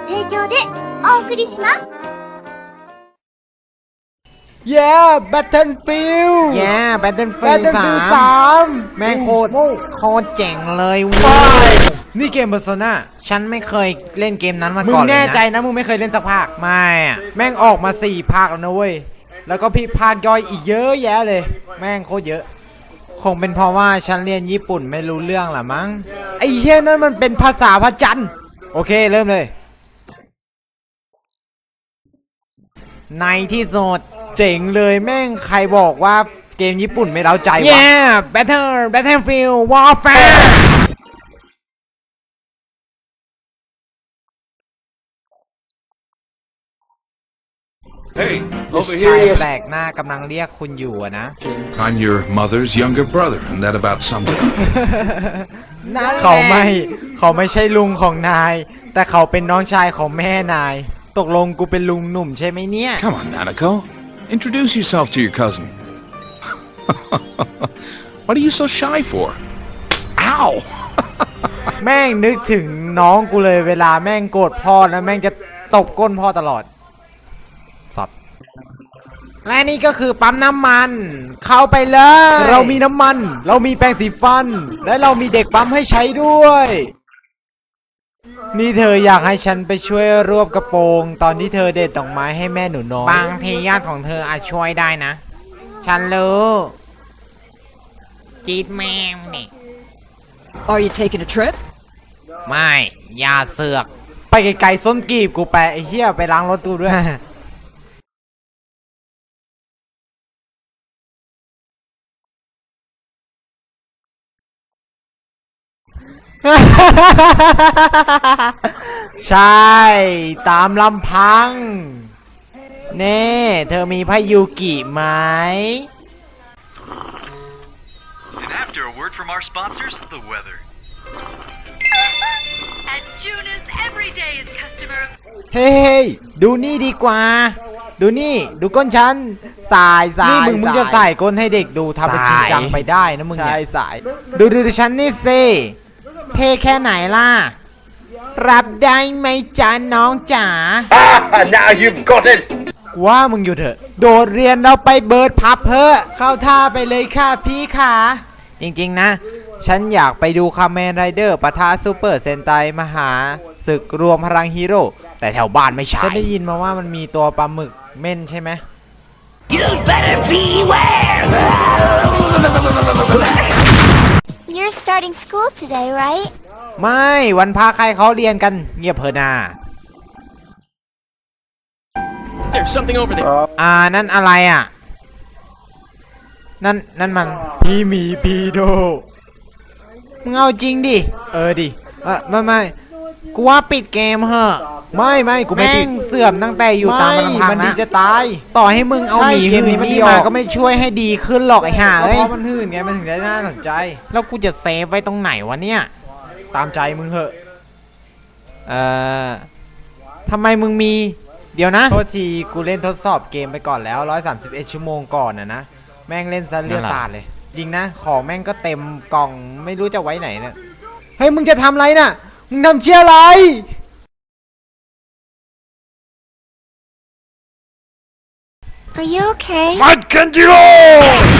提供でお送りします。 Yeah Battlefield Yeah Battlefield 3แม่งโคตรเจ๋งเลยเว้ยนี่เกม Persona ฉันไม่เคยเล่นเกมนั้นมามึก่งอนเลยนะแน่ใจนะมึงไม่เคยเล่นสักภาคไม่อะแม่งออกมา4 ภาคแล้วนะเว้ยแล้วก็พี่ภาคย่อยอีกเยอะแยะเลยแม่งโคตรเยอะคงเป็นเพราะว่าฉันเรียนญี่ปุ่นไม่รู้เรื่องละมั้งไอ้เหี้ยนั่นมันเป็นภาษาพระจันทร์โอเคเริ่มเลยในที่สุดเจ๋งเลยแม่งใครบอกว่าเกมญี่ปุ่นไม่เร้าใจวะ Yeah Battlefield Warfare Hey, over ชาย here. แปลกหน้ากำลังเรียกคุณอยู่อะนะ I'm your mother's younger brother, and that about sums it up. เขาไม่ใช่ลุงของนาย แต่เขาเป็นน้องชายของแม่นาย ตกลงกูเป็นลุงหนุ่มใช่ไหมเนี่ย Come on, Nanako. Introduce yourself to your cousin. What are you so shy for? Ow! แม่งนึกถึงน้องกูเลยเวลาแม่งโกรธพ่อแล้วแม่งจะตบก้นพ่อตลอดสัตว์และนี่ก็คือปั๊มน้ำมัน เข้าไปเลยเรามีน้ำมัน เรามีแปรงสีฟัน และเรามีเด็กปั๊มให้ใช้ด้วย นี่เธออยากให้ฉันไปช่วยรวบกระโปรง ตอนที่เธอเด็ดดอกไม้ให้แม่หนูน้อยบางทีญาติของเธออาจช่วยได้นะ ฉันรู้จี๊ดแม่งนี่ Are you taking a trip? ไม่อย่าเสือกไปไกลๆส้นกีบกูไปไอ้เหี้ยไปล้างรถกูด้วย ใช่ ตามลำพัง เน่เธอมีพายุกิไหม And after a word from our sponsors, the weather. At Junis, every day is customer. เฮ้ยดูนี่ดีกว่า ดูนี่ ดูก้นฉัน สายนี่มึงจะใส่ก้นให้เด็กดูทำเป็นจริงจังไปได้นะมึงเนี่ย ใช่สาย ดูฉันนี่สิเท่แค่ไหนล่ะ รับได้ไหมจ๊ะน้องจ๋า Now you've got it. กูว่ามึงอยู่เถอะ โดดเรียนเราไปเบิร์ดพับเพอเข้าท่าไปเลยค่ะพี่ขาจริงๆนะ ฉันอยากไปดูคาเมนไรเดอร์ปะทะซูเปอร์เซนไตมหาศึกรวมพลังฮีโร่แต่แถวบ้านไม่ใช่ ฉันได้ยินมาว่ามันมีตัวปลาหมึกเม่นใช่ไหม You'd better beware. You're starting school today, right? ไม่วันพาใครเขาเรียนกันเงียบเพอนา There's something over there. นั่นอะไรอ่ะ นั่นมันพี่หมีพีโดมึงเอาจริงดิดิไม่กูว่าปิดเกมเหอะไม่กูไม่แม่ผิดงเสื่อมตั้งแต่อยู่ตามลำพังมันดีนะจะตายต่อให้มึงเอาใช่หมีเกมนี้หื่มันนี่ดีออกมาก็ไม่ช่วยให้ดีขึ้นหรอกไอ้ห่าก็เอ้เพยราะมันหื่นไงมันถึงได้น่าสนใจแล้วกูจะเซฟไว้ตรงไหนวะเนี่ยตามใจมึงเหอะทำไมมึงมี เดี๋ยวนะโทษทีกูเล่นทดสอบเกมไปก่อนแล้ว131ชั่วโมงก่อนนะแม่งเล่นซะเลือดสาดเลย จริงนะของแม่งก็เต็มกล่องไม่รู้จะไว้ไหนเนี่ยเฮ้ยมึงจะทำอะไรน่ะมึงทำเชี่ยอะไร Are you okay? มัดกันจิโร่